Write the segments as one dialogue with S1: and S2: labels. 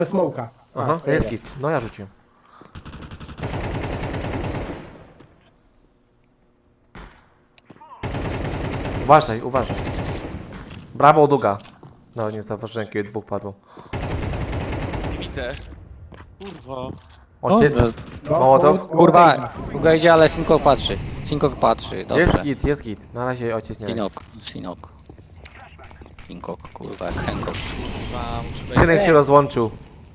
S1: Smoka.
S2: Aha, jest git. No ja rzuciłem. Uważaj, uważaj. Brawo, Duga. No nie zauważyłem, kiedy dwóch padło.
S3: Nie widzę. Kurwa.
S2: Ojciec,
S1: No,
S2: Mołotow.
S4: Kurwa, długo idzie, ale Sinkok patrzy. Sinkok patrzy, dobrze.
S2: Jest git, jest git. Na razie ojciec nie leci.
S4: Sinok. Sinkok, kurwa, jak Hancock.
S3: Kurwa, muszę wejść.
S2: Synek się rozłączył.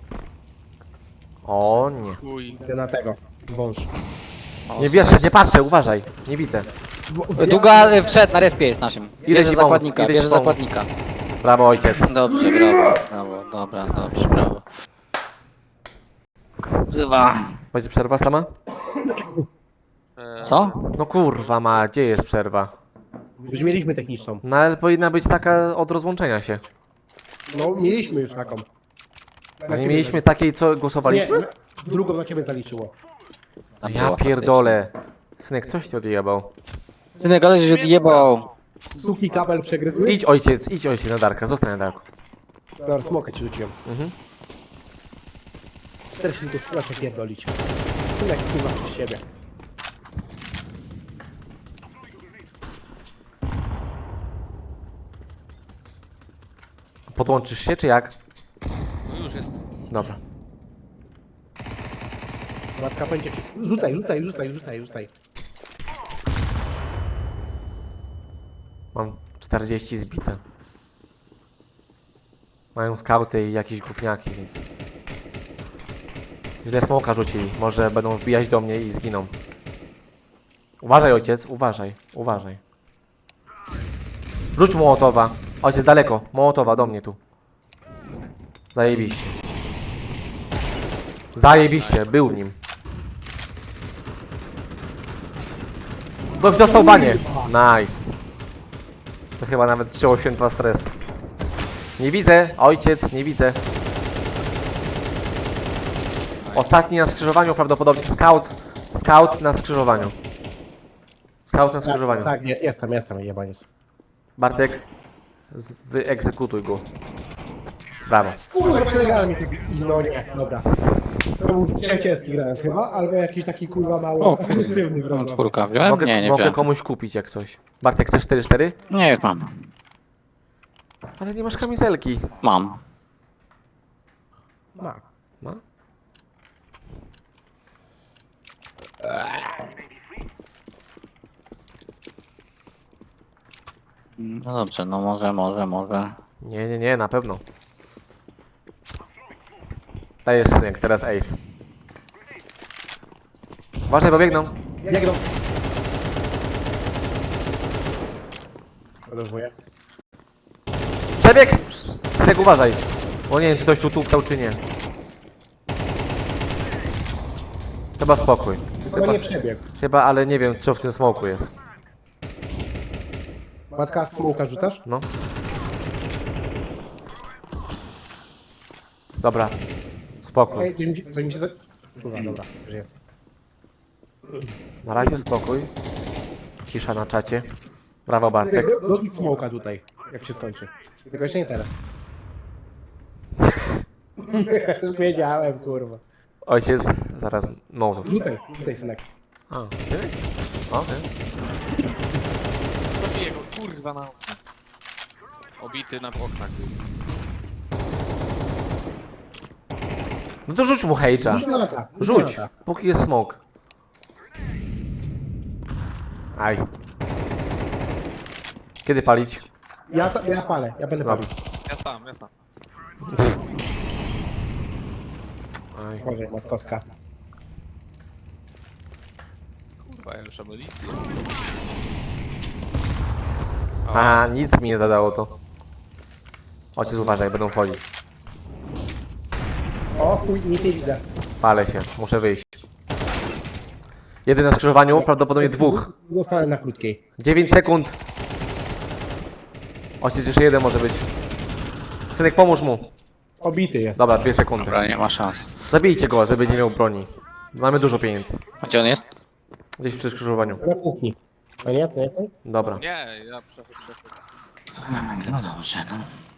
S2: O nie.
S3: Chuj.
S1: Idę na tego. Wąż.
S2: Nie wierzę, nie patrzę, uważaj. Nie widzę.
S4: Długa wszedł, na respie jest naszym.
S2: Idę
S4: Bierze
S2: ci pomóc,
S4: zakładnika,
S2: idę ci
S4: bierze
S2: pomóc.
S4: zakładnika.
S2: Brawo, ojciec.
S4: Dobrze, brawo, brawo, dobra, dobrze, brawo. Wzywa.
S2: Będzie przerwa sama?
S4: Co?
S2: No kurwa ma, gdzie jest przerwa?
S1: Już mieliśmy techniczną.
S2: No ale powinna być taka od rozłączenia się.
S1: No, mieliśmy już taką.
S2: A nie mieliśmy takiej, co głosowaliśmy?
S1: Nie, drugą na ciebie zaliczyło.
S4: Tam
S2: Ja
S4: było
S2: pierdolę. Synek, coś ci odjebał.
S4: faktycznie. Synek, ale się odjebał.
S1: Suki kabel przegryzły.
S2: Idź ojciec na Darka, zostań na Darku.
S1: Dobra, smoka ci rzuciłem.
S2: Mhm.
S1: 40 tylko spróbuj się pierdolić. Synek, kurwa, przez siebie.
S2: Podłączysz się, czy jak?
S3: No już jest.
S2: Dobra.
S1: Matka będzie... Rzucaj.
S2: Mam 40 zbite. Mają skauty i jakieś gówniaki, więc... Źle smoka rzucili. Może będą wbijać do mnie i zginą. Uważaj, ojciec, uważaj. Rzuć Mołotowa. Ojciec, daleko. Mołotowa, do mnie tu. Zajebiście, był w nim. Ktoś dostał banie. Nice. To chyba nawet wzięło święta stres. Nie widzę, ojciec, nie widzę. Ostatni na skrzyżowaniu prawdopodobnie. Scout na skrzyżowaniu.
S1: Tak, jestem, jebaniec.
S2: Bartek, wyegzekutuj go. Brawo.
S1: Kurwa, przegrałem mi taki... No nie, dobra. To był trzeciecki grałem chyba, albo jakiś taki kurwa mało
S4: O,
S1: agresywny
S4: Mam
S1: wrąg.
S4: czwórka wziąłem? Nie
S2: Mogę
S4: wziąłem.
S2: komuś kupić jak coś. Bartek, chcesz 4-4?
S4: Nie, już mam.
S2: Ale nie masz kamizelki.
S4: Mam.
S1: Ma.
S2: Ma?
S4: No dobrze, no może.
S2: Nie, na pewno. Dajesz synek, teraz ace. Uważaj, bo biegną.
S1: Biegną. Podróżuję.
S2: Przebieg! Synek, uważaj. Bo nie wiem, czy ktoś tu tuptał, czy nie. Chyba spokój.
S1: Chyba nie przebiegł.
S2: Chyba, ale nie wiem, co w tym smoku jest.
S1: Matka, smoka rzucasz?
S2: No. Dobra. Spokój.
S1: Ej, to mi się za... Kurwa, dobra, już jest.
S2: Na razie spokój. Cisza na czacie. Brawo, Bartek.
S1: Robić smoka tutaj, jak się skończy. Tylko jeszcze nie teraz. Już wiedziałem, kurwa.
S2: Ojciec, zaraz Mołotów.
S1: Rzucaj synek.
S2: A, synek? Okej.
S3: Zabiję go, kurwa na... Obity na oknach.
S2: No to rzuć mu hejcza.
S1: Rzuć na lata.
S2: Rzuć, póki jest smoke. Aj. Kiedy palić?
S1: Ja palę, ja będę
S2: Dobra.
S1: palił.
S3: Ja sam.
S2: Aj.
S1: Boże, matkowska.
S3: Kurwa, ja już amunicję.
S2: A, nic mi nie zadało to. Ojciec, uważaj, będą wchodzić.
S1: O chuj, nic nie widzę.
S2: Palę się, muszę wyjść. Jeden na skrzyżowaniu, prawdopodobnie dwóch.
S1: Zostanę na krótkiej.
S2: 9 sekund. Ojciec, jeszcze jeden może być. Synek, pomóż mu.
S1: Obity jest.
S2: Dobra, 2 sekundy.
S4: Dobra, nie ma szans.
S2: Zabijcie go, żeby nie miał broni. Mamy dużo pieniędzy.
S4: A gdzie on jest?
S2: Gdzieś przy skrzyżowaniu.
S1: Na kuchni. A nie, to nie?
S2: Dobra.
S3: Nie, ja przechodzę.
S4: No dobrze, no.